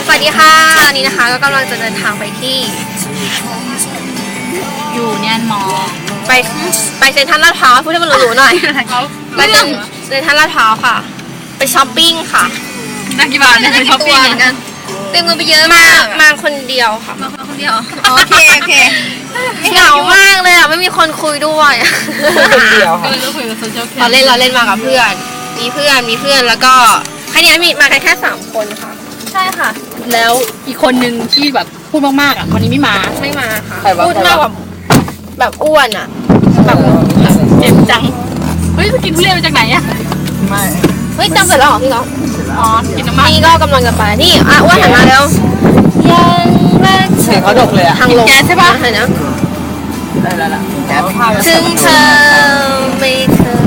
สวัสดีค่ะอันนี้นะคะก็กำลังจะเดินทางไปที่อยู่เนียนมอไปเซ็นทรัลลาดพร้าวพูดให้มันหรูๆหน่อยไปเซ็นทรัลลาดพร้าวค่ะไปช้อปปิ้งค่ะนักกี่บาทเนี่ยไปช้อปปิ้งกันเต็มเงินไปเยอะมากมาคนเดียวค่ะมาคนเดียวโอเคเหงามากเลยอ่ะไม่มีคนคุยด้วยคนเดียวค่ะก็คุยกับโซเชียลแคมเราเล่นมากับเพื่อนมีเพื่อนแล้วก็แค่นี้มีมาแค่3 คนค่ะใช่ค่ะแล้วอีกคนนึงที่แบบพูดมากๆอ่ะวันนี้ไม่มาค่ะพูดมากแบบอ้วนอ่ะแบบเจ็บจังเฮ้ยไปกินทุเรียนมาจากไหนอ่ะไม่เฮ้ยจำเสร็จแล้วเหรอพี่ก๊อฟอ๋อกินน้ำมันนี่ก็กำลังจะไปนี่อ้วนหันมาแล้วยังรักเสียงเขาดกเลยอะทางลงแก๊สใช่ปะเห็นนะได้แล้วล่ะแก๊สถึงเธอไม่เคย